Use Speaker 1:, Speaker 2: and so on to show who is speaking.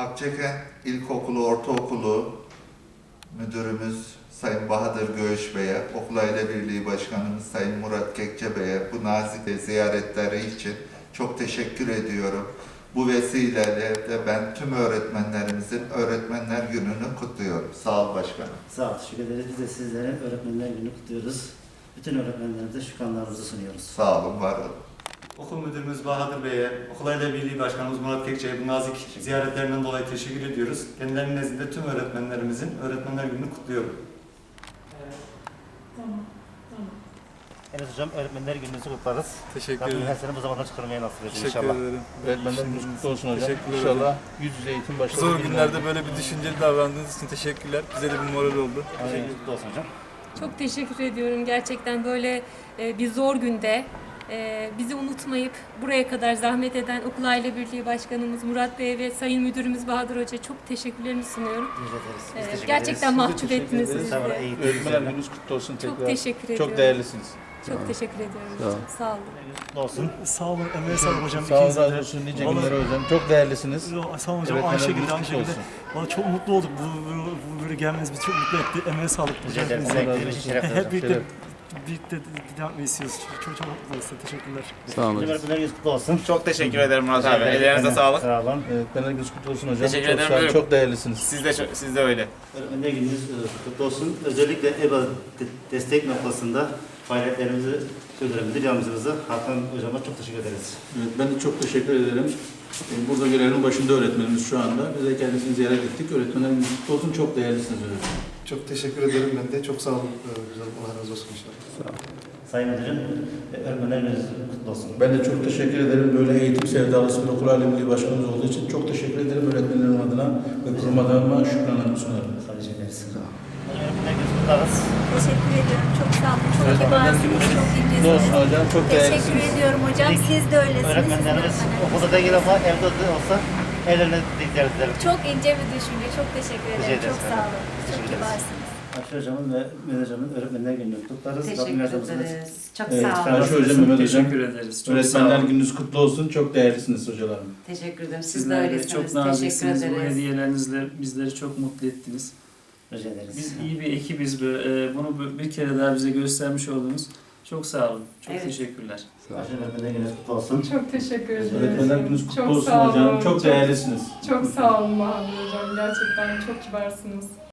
Speaker 1: Akçakent İlkokulu, Ortaokulu Müdürümüz Sayın Bahadır Göğüş Bey'e, Okul Aile Birliği Başkanımız Sayın Murat Kekçe Bey'e bu nazik ziyaretleri için çok teşekkür ediyorum. Bu vesileyle de ben tüm öğretmenlerimizin Öğretmenler Günü'nü kutluyorum. Sağ ol başkanım.
Speaker 2: Sağ ol, teşekkür ederiz. Biz de sizlere Öğretmenler Günü'nü kutluyoruz. Bütün öğretmenlerimize şükranlarımızı sunuyoruz.
Speaker 1: Sağ olun, var olun.
Speaker 3: Okul Müdürümüz Bahadır Bey'e, Okul Aile Birliği Başkanımız Murat Kekçe'ye bu nazik ziyaretlerinden dolayı teşekkür ediyoruz. Kendilerinin nezdinde tüm öğretmenlerimizin Öğretmenler Günü'nü kutluyorum.
Speaker 4: Tamam.
Speaker 2: Evet hocam, Öğretmenler Günü'nüzü kutlarız.
Speaker 5: Teşekkür
Speaker 2: Rabbim
Speaker 5: ederim.
Speaker 2: her sene bu zamandan çıkarmaya nasip etsin
Speaker 5: Teşekkür
Speaker 2: inşallah.
Speaker 5: ederim.
Speaker 6: Öğretmenler gününüz kutlu olsun hocam.
Speaker 5: Teşekkür ederim.
Speaker 6: İnşallah yüz yüze eğitim başladı.
Speaker 5: Zor günlerde böyle bir düşünceli davrandığınız için teşekkürler. Bize de bir moral oldu.
Speaker 2: Teşekkür kutlu olsun hocam.
Speaker 4: Çok teşekkür ediyorum. Gerçekten böyle bir zor günde bizi unutmayıp buraya kadar zahmet eden Okul Aile Birliği Başkanımız Murat Bey ve Sayın Müdürümüz Bahadır Hoca çok teşekkürlerimi sunuyorum.
Speaker 2: Rica ederiz. Biz teşekkür
Speaker 4: Gerçekten
Speaker 2: ederiz.
Speaker 4: mahcup ettiniz
Speaker 6: ederiz.
Speaker 4: bizi.
Speaker 2: Sağ olun,
Speaker 4: de.
Speaker 2: eğitim
Speaker 6: Öğretmenler
Speaker 2: üzerine.
Speaker 6: gününüz kutlu olsun tekrar.
Speaker 4: Çok teşekkür ediyorum.
Speaker 6: Çok değerlisiniz.
Speaker 4: Çok teşekkür ediyorum.
Speaker 6: Sağ ol.
Speaker 4: Çok sağ olun.
Speaker 2: Kutlu olsun.
Speaker 7: Sağ olun, emeğe sağlık hocam.
Speaker 6: Sağ olun,
Speaker 7: İkinize
Speaker 6: razı
Speaker 7: de.
Speaker 6: olsun. Nice
Speaker 7: Vallahi-
Speaker 6: günler hocam. Çok değerlisiniz.
Speaker 7: Sağ olun hocam,
Speaker 6: Öğretmenler
Speaker 7: aynı şekilde,
Speaker 6: gününüz
Speaker 7: aynı
Speaker 6: kutlu
Speaker 7: şekilde.
Speaker 6: olsun.
Speaker 7: Vallahi çok mutlu olduk. Bu böyle gelmeniz bizi çok mutlu etti. Emeğe sağlık.
Speaker 2: Rica ederiz.
Speaker 7: Hepinize.
Speaker 2: Emeklerimiz için şeref
Speaker 7: Hep birlikte
Speaker 6: Şeref.
Speaker 7: devam etmeyi istiyoruz. Çok mutluyuz. Teşekkürler.
Speaker 6: Sağ olun.
Speaker 2: Öğretmenler Günü'nüz kutlu olsun.
Speaker 8: Çok teşekkür ederim Murat abi.
Speaker 2: Rica ederim.
Speaker 8: Ellerinize sağlık.
Speaker 2: Sağ olun.
Speaker 6: Öğretmenler gününüz kutlu olsun hocam.
Speaker 8: Teşekkür
Speaker 6: Çok
Speaker 8: ederim
Speaker 6: sağ olun.
Speaker 8: müdürüm.
Speaker 6: Çok değerlisiniz.
Speaker 8: Siz de öyle.
Speaker 2: Öğretmenler Günü'nüz kutlu olsun. Özellikle EBA destek noktasında faaliyetlerimizi sürdüren müdür yardımcımıza Hakan Hocam'a çok teşekkür ederiz.
Speaker 6: Evet, ben de çok teşekkür ederim. Burada görevin başında öğretmenimiz şu anda. Biz de kendisini ziyaret ettik. Öğretmenler gününüz kutlu olsun. Çok değerlisiniz öğretmenim.
Speaker 9: Çok teşekkür ederim ben de. Çok sağ olun. Güzel, Allah razı olsun inşallah.
Speaker 2: Sayın Müdürüm, Öğretmenler Günü'nüz kutlu olsun.
Speaker 6: Ben de çok teşekkür ederim. Böyle eğitim sevdalısı bir okul aile milli başkanımız olduğu için çok teşekkür ederim öğretmenlerim adına ve kurum adına şükranlarımı sunarım.
Speaker 2: Sadece ederiz. Öğretmenler Günü'nüzü kutlarız.
Speaker 10: Teşekkür ediyorum. Çok sağ olun. Çok
Speaker 6: Öğretmenler
Speaker 10: kibarsınız.
Speaker 6: gününüz
Speaker 10: Çok
Speaker 6: kutlu olsun
Speaker 10: incesiniz.
Speaker 6: hocam. Çok
Speaker 10: Teşekkür
Speaker 6: değerlisiniz.
Speaker 10: ediyorum hocam. Siz de öylesiniz.
Speaker 2: Öğretmenlerimiz
Speaker 10: Sizin de
Speaker 2: okulda değil ama evde de olsa ellerine ziyaret ederim.
Speaker 10: çok ince bir düşünce. Çok teşekkür
Speaker 2: Rica
Speaker 10: ederim.
Speaker 2: ederiz
Speaker 10: Çok sağ olun.
Speaker 2: Teşekkür
Speaker 10: Çok
Speaker 2: ederiz.
Speaker 10: kibarsınız.
Speaker 2: Ayşe Hocam'ın ve Mehmet Hocam'ın Öğretmenler Günü'nü kutlarız. Rabbim
Speaker 11: Teşekkür
Speaker 2: yardımcınız.
Speaker 11: ederiz. Çok
Speaker 2: Evet,
Speaker 11: sağ olun.
Speaker 6: Ayşe hocam, Mehmet hocam.
Speaker 7: Teşekkür ederiz. Çok sağ
Speaker 6: Öğretmenler
Speaker 7: olun.
Speaker 6: gününüz kutlu olsun. Çok değerlisiniz hocalarım.
Speaker 11: Teşekkür ederim. Siz de
Speaker 7: Sizler de
Speaker 11: öylesiniz.
Speaker 7: çok
Speaker 11: Teşekkür
Speaker 7: naziksiniz. Bu
Speaker 11: ederiz.
Speaker 7: hediyelerinizle bizleri çok mutlu ettiniz.
Speaker 2: Rica ederiz.
Speaker 7: Biz iyi bir ekibiz. Bunu bir kere daha bize göstermiş oldunuz. Çok sağ olun. Çok
Speaker 11: Evet.
Speaker 7: teşekkürler.
Speaker 2: Ayşe Öğretmenler Günü'nüz kutlu olsun.
Speaker 4: Çok teşekkür ederim.
Speaker 6: Öğretmenler gününüz kutlu
Speaker 4: Çok
Speaker 6: olsun
Speaker 4: sağ
Speaker 6: hocam.
Speaker 4: olun.
Speaker 6: Çok değerlisiniz.
Speaker 4: Çok sağ olun Bahadır Hocam. Gerçekten çok kibarsınız.